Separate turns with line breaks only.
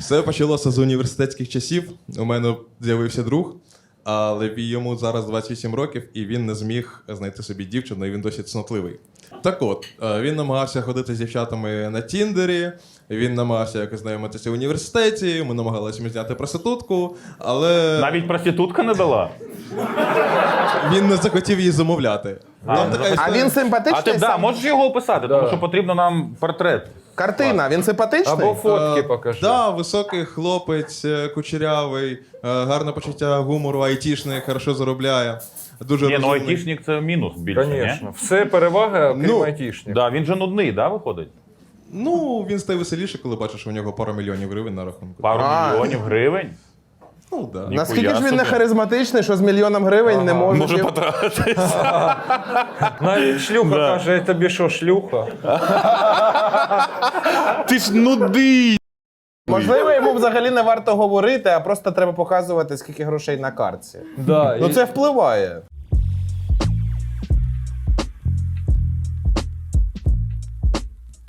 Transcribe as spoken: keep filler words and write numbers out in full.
Все почалося з університетських часів. У мене з'явився друг, але йому зараз двадцять вісім років, і він не зміг знайти собі дівчину, і він досить цнотливий. Так от, він намагався ходити з дівчатами на Тіндері, він намагався якось знайомитися в університеті, ми намагалися зняти проститутку, але...
Навіть проститутка не дала?
Він не захотів її замовляти.
А,
Там
ну,
така
а
історія.
А він симпатичний?
А ти да,
сам?
можеш його описати, тому що потрібно нам портрет.
Картина, він симпатичний?
Або фотки
Е,
покажи.
Да, високий хлопець, е, кучерявий, е, гарне почуття гумору, айтішник, хорошо заробляє. Дуже
Ні, ну
розумний.
айтішник це мінус більше,
Звісно. Все перевага, крім
Ну,
айтішників.
Да, він же нудний, да, виходить?
Ну, він стає веселіше, коли бачиш, що у нього пара мільйонів гривень на рахунку.
Пару
А.
мільйонів гривень.
Ну, да.
Ні.
Наскільки ж він
собі.
не харизматичний, що з мільйоном гривень не може...
Може
дів-
потратитись.
Навіть шлюха каже, «Я тобі що, шлюха?»
Ти ж нудий.
Можливо, йому взагалі не варто говорити, а просто треба показувати, скільки грошей на картці.
Да,
Ну
і-
це впливає.